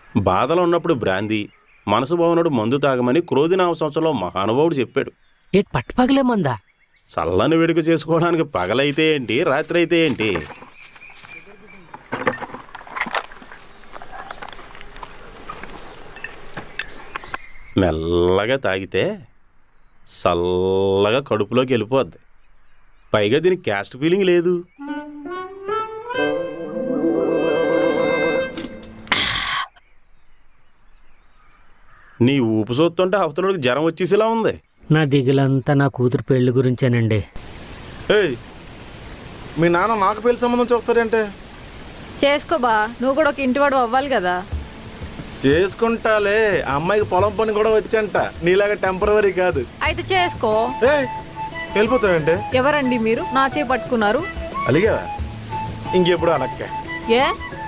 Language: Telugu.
బాధలో ఉన్నప్పుడు బ్రాందీ, మనసు బాగున్నాడు మందు తాగమని క్రోధినామ సంవత్సరంలో మహానుభావుడు చెప్పాడు. ఏటి పట్టుపగలే మందా? చల్లని వేడుక చేసుకోవడానికి పగలైతే ఏంటి, రాత్రి అయితే ఏంటి? మెల్లగా తాగితే చల్లగా కడుపులోకి వెళ్ళిపోద్ది. పైగా దీనికి క్యాస్ట్ ఫీలింగ్ లేదు. నీ ఊపు చూస్తుంటే అవతలకి జ్వరం వచ్చేసేలా ఉంది. నా దిగులంతా నా కూతురు పెళ్లి గురించేనండి. ఏయ్, మీ నాన్న నాకు పెళ్లి సంబంధం చూస్తాడంటే? చేసుకోబా, నువ్వు కూడా ఒక ఇంటివాడు అవ్వాలి కదా. చేసుకుంటాలే, ఆ అమ్మాయికి పొలం పని కూడా వచ్చంట, నీలాగా టెంపరవరీ కాదు. అయితే చేసుకో. ఏయ్, వెళ్ళిపోతావంటే? ఎవరండి మీరు? నా చేయి పట్టుకున్నారు. అలిగావా? ఇంకెప్పుడు అలక్కే. ఏ